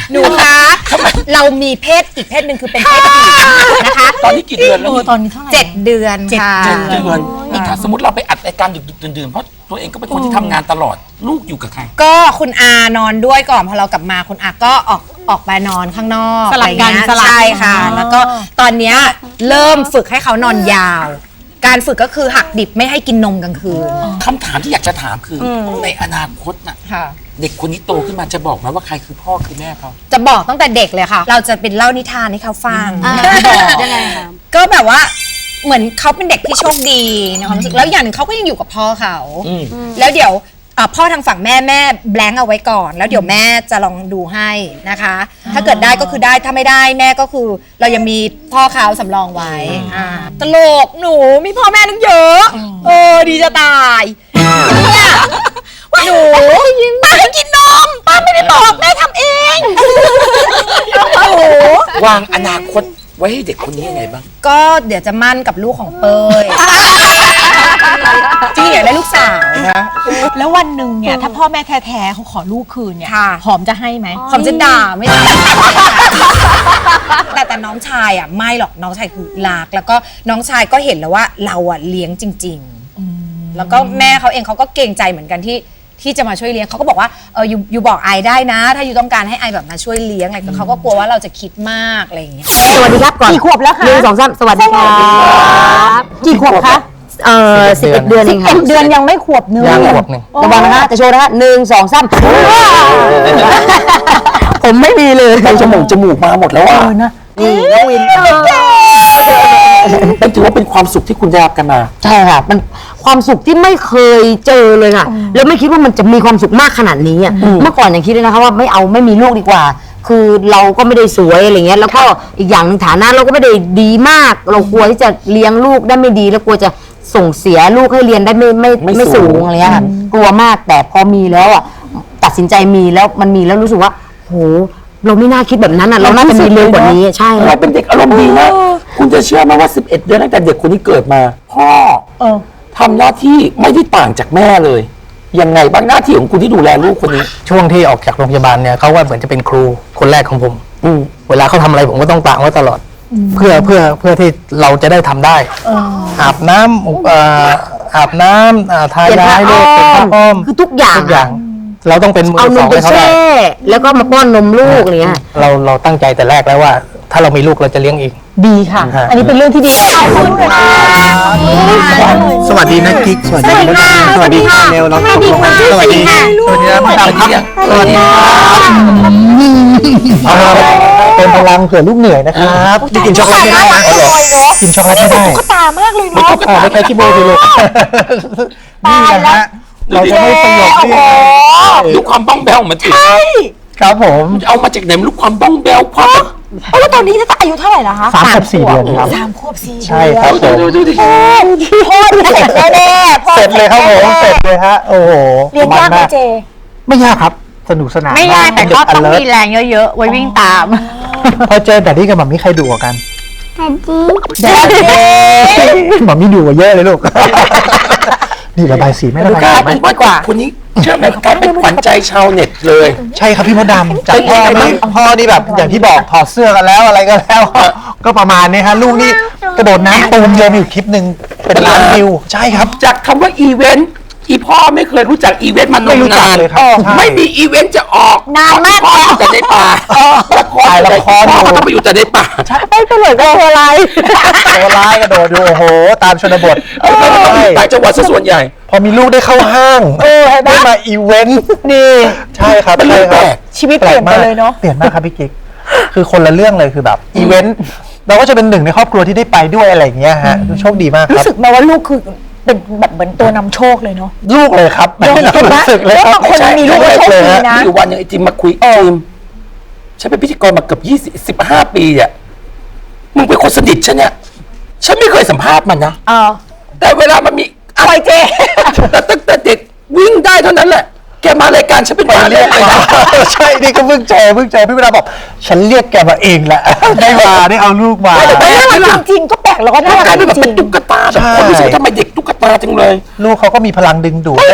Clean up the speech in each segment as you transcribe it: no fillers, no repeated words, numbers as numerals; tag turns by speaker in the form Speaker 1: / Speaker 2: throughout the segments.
Speaker 1: หนูคะเรามีเพศอีกเพศหนึ่งคือเป็นเพศหญิงนะคะ
Speaker 2: ตอนนี้กี่เดือนแล้ว
Speaker 3: ตอนนี้เท่าไหร่
Speaker 1: 7 เดือนค่ะ
Speaker 2: 7 เดือนนี่ถ้าสมมติเราไปอัดรายการดึกๆดื่นๆเพราะตัวเองก็เป็นคนที่ทำงานตลอดลูกอยู่กับใคร
Speaker 1: ก็คุณอานอนด้วยก่อนพอเรากลับมาคุณอาก็ออกไปนอนข้างนอก
Speaker 3: สลับกัน
Speaker 1: อะไรเงี้ย
Speaker 3: สลับ
Speaker 1: ใช่ค่ะ แล้วก็ตอนเนี้ยเริ่มฝึกให้เขานอนยาว การฝึกก็คือหักดิบไม่ให้กินนมกลางคืน
Speaker 2: คำถามที่อยากจะถามคือในอนาคตน่ะ
Speaker 1: ค่ะ
Speaker 2: เด็กคนนี้โตขึ้นมาจะบอกไหมว่าใครคือพ่อคือแม่เขา
Speaker 1: จะบอกตั้งแต่เด็กเลยค่ะ เราจะเป็นเล่านิทานให้เขาฟัง
Speaker 3: ยังไงคะ
Speaker 1: ก็แบบว่าเหมือนเขาเป็นเด็กที่โชคดีในความรู้สึกแล้วอย่างหนึ่งเขาก็ยังอยู่กับพ่อเขา แล้วเดี๋ยวพ่อทางฝั่งแม่แบงค์เอาไว้ก่อน แล้วเดี๋ยวแม่จะลองดูให้นะคะ ถ้าเกิดได้ก็คือได้ถ้าไม่ได้แม่ก็คือเรายังมีพ่อเขาสำรองไว้ตลกหนูมีพ่อแม่นึงเยอะดีจะตายเนี่ยหนูป้าให้กินนมป้าไม่ได้บอกแม่ทำเองโอ้โห
Speaker 2: วางอนาคตไว้ให้เด็กคนนี้ยังไงบ้าง
Speaker 1: ก็เดี๋ยวจะมั่นกับลูกของเปยจริงอยากได้ลูกสาวนะ
Speaker 3: แล้ววันหนึ่งเนี่ยถ้าพ่อแม่แท้ๆเขาขอลูกคืนเนี่ย
Speaker 1: ค่ะ
Speaker 3: หอมจะให้ไหม
Speaker 1: คำจะด่าไม่ได้แต่น้องชายอ่ะไม่หรอกน้องชายคือรักแล้วก็น้องชายก็เห็นแล้วว่าเราอ่ะเลี้ยงจริงๆแล้วก็แม่เขาเองเขาก็เกรงใจเหมือนกันที่จะมาช่วยเลี้ยงเขาก็บอกว่าอยู่บอกไอได้นะ ถ้าอยู่ต้องการให้ไอแบบมาช่วยเลี้ยงอะไรแต่เขาก็กลัวว่าเราจะคิดมากอะไรอย่างเงี้ย
Speaker 4: สวัสดีครับก่อน
Speaker 3: กี่ขวบแล้วคะ
Speaker 4: 1 2 3สวัสดีครับ
Speaker 3: กี่ขวบคะ
Speaker 4: 11 เดือนเองครับ
Speaker 3: 11 เดือนยังไม่ขวบเนื้อ
Speaker 4: ยังขวบหนึ่งระวังนะฮะจะโชว์นะฮะ1 2 3ผมไม่มีเลย
Speaker 2: จมูกมาหมดแล้วอ่ะ
Speaker 4: นี่น้องวิน
Speaker 2: เป็นถือว่าเป็นความสุขที่คุณได้รับกันมา
Speaker 4: ใช่ค่ะมันความสุขที่ไม่เคยเจอเลยค่ะ แล้วไม่คิดว่ามันจะมีความสุขมากขนาดนี้อ่ะเมื่อก่อนยังคิดเลยนะคะว่าไม่มีลูกดีกว่า คือเราก็ไม่ได้สวยอะไรเงี้ยแล้วก็อีกอย่างหนึ่งฐานะเราก็ไม่ได้ดีมาก เรากลัวที่จะเลี้ยงลูกได้ไม่ดีแล้วกลัวจะส่งเสียลูกให้เรียนได้ไม่สูงอะไรเงี้ยค่ะกลัวมากแต่พอมีแล้วอ่ะตัดสินใจมีแล้วมันมีแล้วรู้สึกว่าโหเราไม่น่าคิดแบบนั้นอ่ะเราน่าจะมีเร็วกว่านี้ใช่
Speaker 2: เราเป็นเด็กอารมณ์ดีนะคุณจะเชื่อไหมว่า 11 เดือนตั้งแต่เด็กคนนี้เกิดมา พ่อทำหน้าที่ไม่ได้ต่างจากแม่เลยยังไงบ้างหน้าที่ของคุณที่ดูแลลูกคนนี้
Speaker 5: ช่วงที่ออกจากโรงพยาบาลเนี่ยเขาว่าเหมือนจะเป็นครูคนแรกของผมเวลาเขาทำอะไรผมก็ต้องตามเขาตลอด เพื่อที่เราจะได้ทำได้อาบน้ำทายาให้ลูกเป็นผ้าอ้อม
Speaker 4: คือทุกอย่าง
Speaker 5: เราต้องเป็นมือ
Speaker 4: เอาน
Speaker 5: ส
Speaker 4: ม
Speaker 5: อง
Speaker 4: ไป
Speaker 5: ให้เขา
Speaker 4: แช่
Speaker 5: ได้
Speaker 4: แล้วก็มาป้อนนมลูกอะไรเงี้ย
Speaker 5: เราตั้งใจแต่แรกแล้วว่า ถ้าเรามีลูกเราจะเลี้ยงเอง
Speaker 3: ดีค่ะ อันนี้เป็นเรื่องที่ดีขอบคุณค่ะ
Speaker 5: สวัสดีนะกิ๊กสวัสดีค่ะสวัสดีค่ะเนวน้องสวัสดีค่ะสวัสดีนะพี่ดำครับสวัสดีเป็นพลังเผื่อลูกเหนื่อยนะครับจะกินช็อกโกแลตไม่ได้นะกินช็อกโกแลตไม่ได้
Speaker 3: ตุ๊กตามากเลยเนาะ
Speaker 5: ไม่ใช่ที่โบดูลูกนี่นะฮะเราจะให้ประโยชน์ที่
Speaker 2: ดูความบ้องแบวของมันสิ
Speaker 5: ครับผม
Speaker 2: เอามาจากไหนไม่รู้ความบ้องแบวความแบบ
Speaker 3: แล้วตอนนี้ถ้าอายุเท่าไหร่ละคะ
Speaker 5: 3 ขวบ 4 เดือนครับ
Speaker 3: 3 ขวบ 4
Speaker 5: ใช่ครับผม
Speaker 2: ดูดิ
Speaker 3: พ่อเสร็จแน่ๆพ่อ
Speaker 5: เสร็จเลยครับผมเสร็จเลยฮะโอ้โห
Speaker 3: เรียนยากไหมเจ
Speaker 5: ไม่ยากครับสนุกสนาน
Speaker 1: ไม่ยากแต่ก็ต้องมี
Speaker 5: เด็
Speaker 1: แรงเยอะๆไว้วิ่งตาม
Speaker 5: พอเจอแต่นี่กับหมามี่ใครดุกว่ากัน
Speaker 3: เด็ก
Speaker 5: หมามี่ดุกว่าเยอะเลยลูกนี่ระบายสีไม่ระบาย
Speaker 2: กลาย
Speaker 5: สีไหม
Speaker 2: เป็นว่าคนนี้เชื่อไหมกลายเป็นขวัญใจชาวเน็ตเลย
Speaker 5: ใช่ครับพี่มดดำจากพ่อนี่แบบอย่างที่บอกถอดเสื้อกันแล้วอะไรกันแล้ว ก็ประมาณนี้ฮะลูกนี่กระโดดน้ำตูมเดียวมีอยู่คลิปหนึ่งเป็นล้านวิวใช่ครับ
Speaker 2: จากคำว่าอีเวนต์อีพ่อไม่เคยรู้จักอีเวนต์มาน
Speaker 5: ไม่รู้จัก
Speaker 2: าน
Speaker 5: เลยครับใช่
Speaker 2: ไม่มีอีเวนต์จะออก
Speaker 3: นานมาก
Speaker 2: พ่ออยู่แต่ในป่าละครพ่อก็ต้องไปอยู่แต่ในป่า
Speaker 3: ไม่เป็นเลยก็ตัวอะไร
Speaker 5: ตัวร้ายกระโดดดูโอ้โหตามชนบท
Speaker 2: ต่างจังหวัดซะส่วนใหญ่
Speaker 5: พอมีลูกได้เข้าห้างได้มาอีเวนต์นี่ใช่ครับ
Speaker 2: เป็นเรื่องแปลก
Speaker 3: ชีวิตเปลี่ยนไปเลยเนาะ
Speaker 5: เปลี่ยนมากครับพี่กิ๊กคือคนละเรื่องเลยคือแบบอีเวนต์เราก็จะเป็นหนึ่งในครอบครัวที่ได้ไปด้วยอะไรอย่างเงี้ยฮะโชคดีมากค
Speaker 3: รู้
Speaker 5: รับ
Speaker 3: สึกไหมว่าลูกคือเป็นแบบเหมือนตัวนำโชคเลยเนาะ
Speaker 5: ลูกเลยครับ
Speaker 3: เห็นไหม
Speaker 5: รู้สึกเลยครับ
Speaker 3: บางคนมีลูกแล้วโชคดีนะ
Speaker 2: มีอยู่วันหนึงไอ้จิมมาคุยจิมฉันเป็นพิธีกรมาเกือบ15 ปีอ่ะมึงเป็นคนสนิทฉันเนี่ยฉันไม่เคยสัมภาษณ์มันนะแต่เวลามันมีอะไรเจแต่ตั้งแต่เด็กวิ่งได้เท่านั้นแหละแกมารายการฉันเป็นหมาเรียกเลยนะ
Speaker 5: ใช่นี่ก็เพิ่งเจอพี่เวลาบอกฉันเรียกแกมาเองแหละได้มาได้เอาลูกมา
Speaker 3: น่ารักจริงๆก็แปลกแล้วก็น่ารั
Speaker 2: กลาย
Speaker 3: ก
Speaker 2: เป็นแบบ
Speaker 3: จ
Speaker 2: เป็
Speaker 3: ริ
Speaker 2: น
Speaker 3: ง
Speaker 2: ตุ๊กตาแบบคนรู้สึกว่าทำไมเด็กตุ๊กตาจังเลย
Speaker 5: ลูกเขาก็มีพลังดึงดูดได้แบบ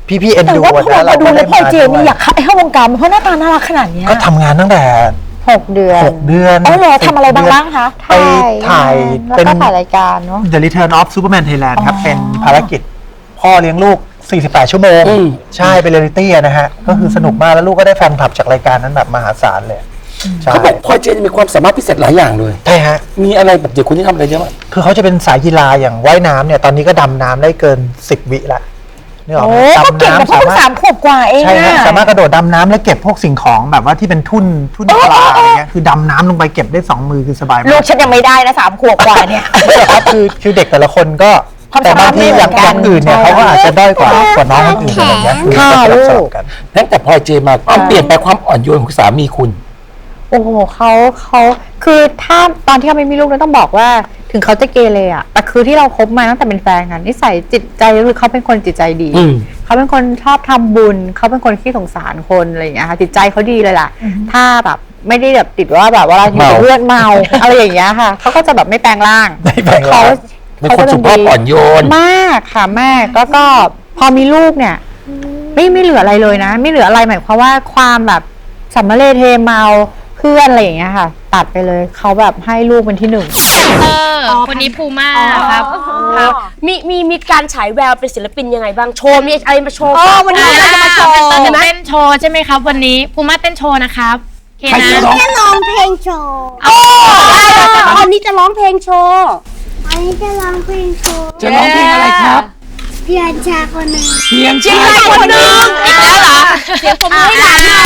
Speaker 5: พี่ๆเอ็น
Speaker 3: แต่
Speaker 5: ดู
Speaker 3: ว่าพอ
Speaker 5: นะ
Speaker 3: มาดูแล้วพลอยเจมส์อยาก
Speaker 5: ก
Speaker 3: ให้เข้าวงการเพราะหน้าตาน่ารักขนาดเนี้ย
Speaker 5: ก็ทำงานตั้งแต่
Speaker 4: 6 เดือน
Speaker 5: 6 เดือน
Speaker 3: อ๋อเหรอทำอะไรบ้างคะ
Speaker 5: ไปถ่าย
Speaker 4: แล้ว
Speaker 5: เป็น
Speaker 4: ก็ถ่ายรายการเนาะ
Speaker 5: The Return of Superman Thailand ครับ เป็นภารกิจพ่อเลี้ยงลูก 48 ชั่วโมง ใช่เป็นเรียลลิตี้นะฮะ ก็คือสนุกมากแล้วลูกก็ได้แฟนคลับจากรายการนั้นแบบมหาศาลเลยใช่
Speaker 2: เขาบอกพลอยเจนมีความสามารถพิเศษหลายอย่างเลย
Speaker 5: ใช่ฮะ
Speaker 2: มีอะไรแบบเด็กคนที่ทำอะไรเยอะมาก
Speaker 5: คือเขาจะเป็นสายกีฬาอย่างว่ายน้ำเนี่ยตอนนี้ก็ดำน้ำได้เกิน 10 วิละนี่หรอก
Speaker 3: โอ้ก็เก่งนะเพราะเพิ่ง3 ขวบกว่าเอง
Speaker 5: ใช่ฮะ
Speaker 3: อะ
Speaker 5: สามารถกระโดดดำน้ำและเก็บพวกสิ่งของแบบว่าที่เป็นทุ่นปลาอะไรเงี้ยคือดำน้ำลงไปเก็บได้2 มือคือสบายมาก
Speaker 3: ลูกฉันยังไม่ได้นะ3 ขวบกว่าเนี่ย
Speaker 5: ครับคือเด็กแต่ละคนก็
Speaker 3: ความ
Speaker 5: แต่
Speaker 3: สามารถ
Speaker 5: บางทีอย่าง
Speaker 3: ไม่เหมือนกัน
Speaker 5: อื่นเนี่ยเขาก็อาจจะด้อยกว่าน้องคนอื่นอะไรเงี้ยคือ
Speaker 4: ค่ะ
Speaker 5: ก็สลับ
Speaker 4: ลูก
Speaker 5: กัน
Speaker 2: ตั้งแต่พลอยเจนมาความเปลี่ยนไปความอ่อนโยนของสามีคุณ
Speaker 6: โอ้โหเขาคือถ้าตอนที่เขาไม่มีลูกเนี่ยต้องบอกว่าถึงเขาจะเกเรอะแต่คือที่เราคบมาตั้งแต่เป็นแฟนกันนิสัยจิตใจคือเขาเป็นคนจิตใจดี
Speaker 2: อืม
Speaker 6: เขาเป็นคนชอบทำบุญเขาเป็นคนขี้สงสารคนอะไรอย่างเงี้ยค่ะจิตใจเขาดีเลยล่ะ ถ้าแบบไม่ได้แบบติดว่าแบบว่าเราอยู่กับเลือดเมาอะไรอย่างเงี้ยค่ะเขาก็จะแบบไม่แปลงร่าง
Speaker 5: ไม่แปลงร่าง
Speaker 2: เป็นคนสุภาพอ่อนโยน
Speaker 6: มากค่ะแม่ก็พอมีลูกเนี่ยไม่เหลืออะไรเลยนะ ไม่เหลืออะไรหมายความว่าความแบบสัมมาเลเทเมาเพื่อนอะไรอย่างเงี้ยค่ะ ตัดไปเลยเขาแบบให้ลูกเป็นที่ 1
Speaker 7: คนนี้ภูมาครับ
Speaker 8: ครับมีการฉายแววเป็นศิลปินยังไงบ้างโชว์มีอะไรมาโชว์
Speaker 7: วันนี้เราจะมาโชว์เต้นโชว์ใช่ไหมครับ วันนี้ภูมาเต้นโชว์นะครับโอเค
Speaker 2: ใคร
Speaker 7: นะ
Speaker 2: จะร้อง
Speaker 9: จะร้องเพลงโชว์
Speaker 8: วันนี้จะร้องเพลงโชว์
Speaker 9: อันนี้จะร้องเพลงโชว์
Speaker 2: จะร้องเพลงอะไรครับ
Speaker 9: เพียรชาคนหนึ่ง
Speaker 2: เพียงชายคนหนึ่ง
Speaker 7: อีกแล้วเหรอ
Speaker 8: เสียงผมให้หลานหน่อย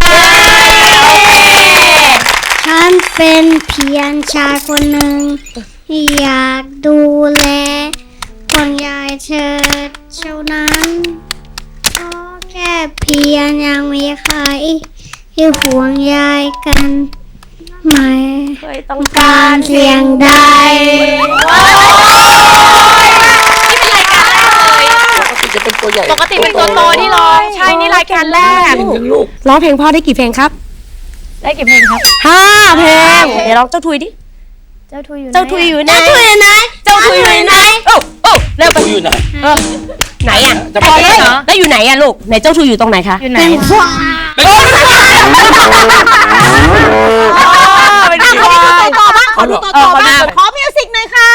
Speaker 9: ฉันเป็นเพียรชายคนหนึ่งอยากดูแลคนยายเชิดเท่านั้นขอแค่เพียรยังมีใครที่ห่วงใยกันไม่
Speaker 8: เคยต้อง
Speaker 9: การเสียงใด
Speaker 2: จะเป็นตัวใหญ่
Speaker 7: ปกติเป็นตัวโตที่ร้องใช่นี่รายการแรก
Speaker 2: เพลงยังลูก
Speaker 8: ร้องเพลงพ่อได้กี่เพลงครับ
Speaker 7: ได้กี่เพลงครับ
Speaker 8: 5 เพลงเดี๋ยวร้องเจ้าทุยดิ
Speaker 9: เจ้าทุยอยู่
Speaker 8: เจ้าทุยอยู่ไหนเจ้าทุยอยู่ไหนเจ้าทุยอยู่ไหนโอ้เร็วไป
Speaker 2: อยู่ไหน
Speaker 8: ไหนอ่ะ
Speaker 2: จะไป
Speaker 8: พอ
Speaker 2: ไหน
Speaker 8: แล้วเหรอแล้วอยู่ไหนอ่ะลูกไหนเจ้าทุยอยู่ตรงไหนคะ
Speaker 7: อยู่ไหน
Speaker 9: เป็นควาย
Speaker 2: เป็นคน
Speaker 8: เป็นที่ว่า
Speaker 3: ต่อบ้าง
Speaker 2: เอาเหรอ
Speaker 3: ต่อบ้างขอมิวสิกหน่อยค่ะ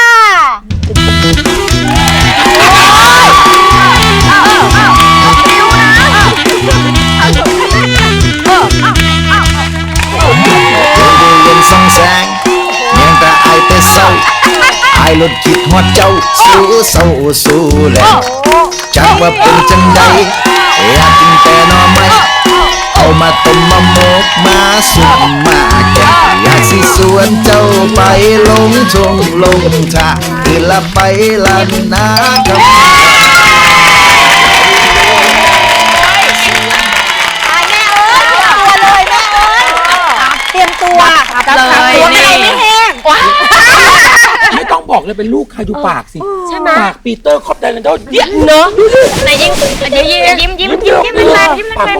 Speaker 10: ยังส่องแสงยังแต่อายแต่เศร้าอายลดคิดฮอดเจ้าสู้เศร้าสู้แหละจักว่าเป็นจังใดอยากกินแต่หน่อไม้เอามาต้มมาหมกมาสุกมาแกงอยากสิสวนเจ้าไปลงทงลงทาคือละไปละนากับ
Speaker 3: เตรียมตัวจับ
Speaker 7: เลย
Speaker 3: ตัว
Speaker 7: นี่
Speaker 3: ไม่แห้ง
Speaker 2: ไม่ต้องบอกเลยเป็นลูกใครดูปากสิ
Speaker 8: ใช่ไหม
Speaker 2: ปากปีเตอร์คอปไดแลนด์เนี่ย
Speaker 8: เนอะ
Speaker 7: ไหนยิ้มเดี๋ยวยิ้มแรงๆยิ้มแรง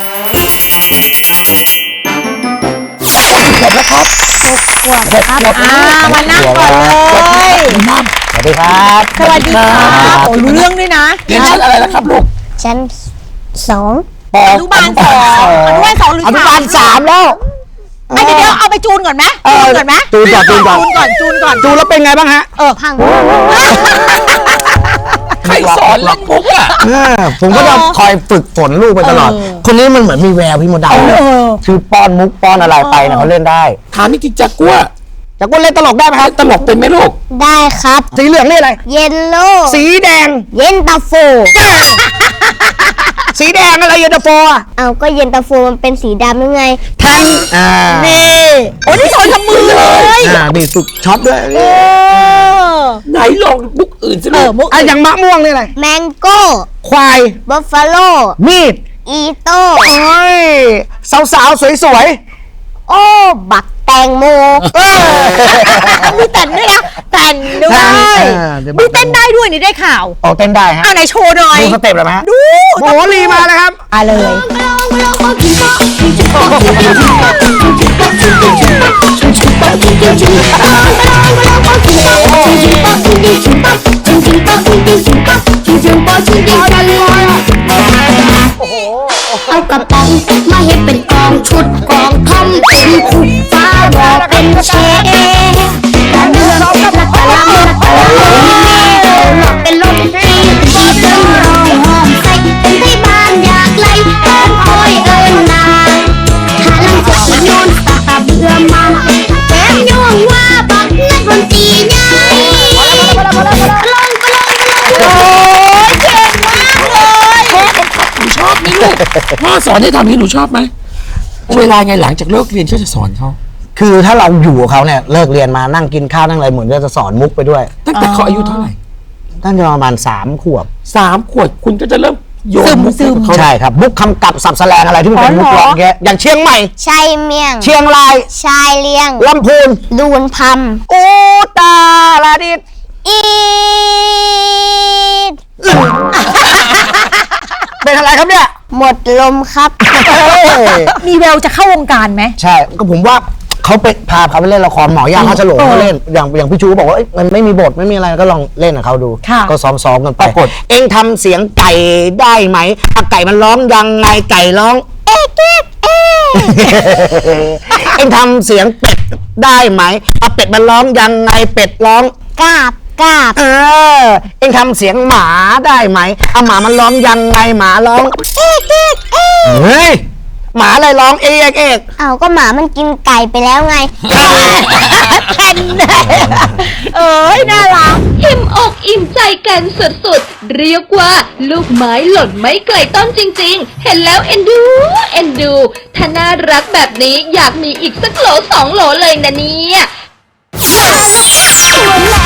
Speaker 2: ขวบแล้วครับ
Speaker 3: มานั่งก่อนเลย
Speaker 5: สวัสดีครับ
Speaker 3: สวัสดีค่ะโอ้รู้เรื่องด้วยนะ
Speaker 2: เรียนชั้นอะไรแล้วครับลูก
Speaker 9: ชั้น2
Speaker 3: อนุบาล 2 อนุบาล 2 หรือ
Speaker 4: อนุบาล 3 แล้ว
Speaker 3: ไม่เดี๋ยวเอาไปจูนก่อนไหมจูนก่อนไหม
Speaker 4: จูนก่อน
Speaker 3: จูนก่อน
Speaker 4: ดูแล้วเป็นไงบ้างฮะ
Speaker 9: พัง
Speaker 2: ใครสอนเล่นมุกอ่ะ
Speaker 4: ผมก็จะคอยฝึกฝนลูกไปตลอด คนนี้มันเหมือนมีแววพี่มดดำคือป้อนมุกป้อนอะไรไปเนี่ยเขาเล่นได้
Speaker 2: ถามจริงๆจักกัว
Speaker 4: จากคนเล่นตลกได้ไหมครับ
Speaker 2: ตลกเป็นไหมลูก
Speaker 9: ได้ครับ
Speaker 4: สีเหลืองนี่อะไร
Speaker 9: เยลโล่
Speaker 4: สีแดง
Speaker 9: เย็นตาโฟ
Speaker 4: สีแดงอะไรเย็นตาโฟอ่ะ
Speaker 9: เอาก็เย็นตาโฟมันเป็นสีดำยังไง
Speaker 4: ทั้ง
Speaker 3: นี่โอ้นี่สอนทำมือเลย
Speaker 4: นี่สุดช็อตด้วย
Speaker 2: ไหนลองมุกอื่นสิลูก
Speaker 3: มุก
Speaker 4: อย่างมะม่วงนี่อะไร
Speaker 9: แมงโก้
Speaker 4: ควาย
Speaker 9: บัฟฟาโล
Speaker 4: มีด
Speaker 9: อีโต้
Speaker 4: โอ้ยสาวๆสวย
Speaker 9: โอ้บักแตงโม
Speaker 3: มีแต่นด้วยนะแต่นด้วยมีเต้นได้ด้วยนี่ได้ข่าว
Speaker 4: ๆเอาเต้นได้ฮะ
Speaker 3: อ่ะไหนโชว์หน่อย
Speaker 4: ดูสเต็ปเลยไหมฮะ
Speaker 3: ดู
Speaker 4: โมโหรีมาเลยครับ
Speaker 3: อ่ะเลย
Speaker 9: Bye. เอากระป๋องมาเฮ็ดเป็นกองชุดกองทอมเป็นขุดฟ้าบอกเป็นเชฟกระเดื่องนักกะลังนักกะลังหลอกเป็นลมที่เดินร้องหอมใส่เป็นไทยบ้านอยากไล่เอิ้นคอยเอิ้นนาหาลังจะโยนตาเบื่อมาแถมโยงว่าบักนักดนตรีใหญ่กระลอง
Speaker 2: หนูชอบไหมลูกพ่อสอนให้ทำนี้หนูชอบไหมเวลาไงหลังจากเลิกเรียนก็จะสอนเขา
Speaker 5: คือถ้าเราอยู่กับเขาเนี่ยเลิกเรียนมานั่งกินข้าวนั่งอะไรเหมือนจะสอนมุกไปด้วย
Speaker 2: ตั้งแต่เขาอายุเท่าไหร่
Speaker 5: ตั้งแต่ประมาณ3 ขวบ
Speaker 2: 3 ขวบคุณก็จะเริ่มโยนมุกให้กับเขา
Speaker 5: ใช่ครับมุกคำกับสับแสลงอะไรที่มันเป็นมุกร้องแกอย่างเชียงใหม่
Speaker 9: ชายเมียง
Speaker 5: เชียงราย
Speaker 9: ชายเลียง
Speaker 5: ลำพูน
Speaker 9: ดูนพัม
Speaker 5: อูตาลาดิด
Speaker 9: อีด
Speaker 5: เป็นอะไรครับเนี่ย
Speaker 9: หมดลมครับ
Speaker 3: มีแววจะเข้าวงการไหม
Speaker 5: ใช่ก็ผมว่าเขาไปพาเขาไปเล่นละครหมอยาเขาฉลงเขาเล่นอย่างพี่ชูบอกว่ามันไม่มีบทไม่มีอะไรก็ลองเล่นกับเขาดู
Speaker 3: ค่ะ
Speaker 5: ก็ซ้อมๆกันไปเอ็งทำเสียงไก่ได้ไหมไก่มันร้องยังไงไก่ร้อง
Speaker 9: เอ๊ะเอ๊ะเอ๊ะ
Speaker 5: เอ็งทำเสียงเป็ดได้ไหมเป็ดมันร้องยังไงเป็ดร้อง
Speaker 9: กราบกราบ
Speaker 5: เอ็งทำเสียงหมาได้ไหมหมามันร้องยังไงหมาร้อง
Speaker 9: เอ๊ะเอ๊ะเอ๊ะ
Speaker 5: เฮ้ยหมาอะไรร้องเอกเอก
Speaker 9: เอาก็หมามันกินไก่ไปแล้วไง
Speaker 3: เอ้ยน่ารัก
Speaker 11: อิ่มอกอิ่มใจกันสุดๆ เรียกว่าลูกไม้หล่นไม่ไกลต้นจริงๆ เห็นแล้วเอ็นดูเอ็นดู ถ้าน่ารักแบบนี้อยากมีอีกสักโหล2 โหลเลยนะเนี่ย
Speaker 9: หัวแหล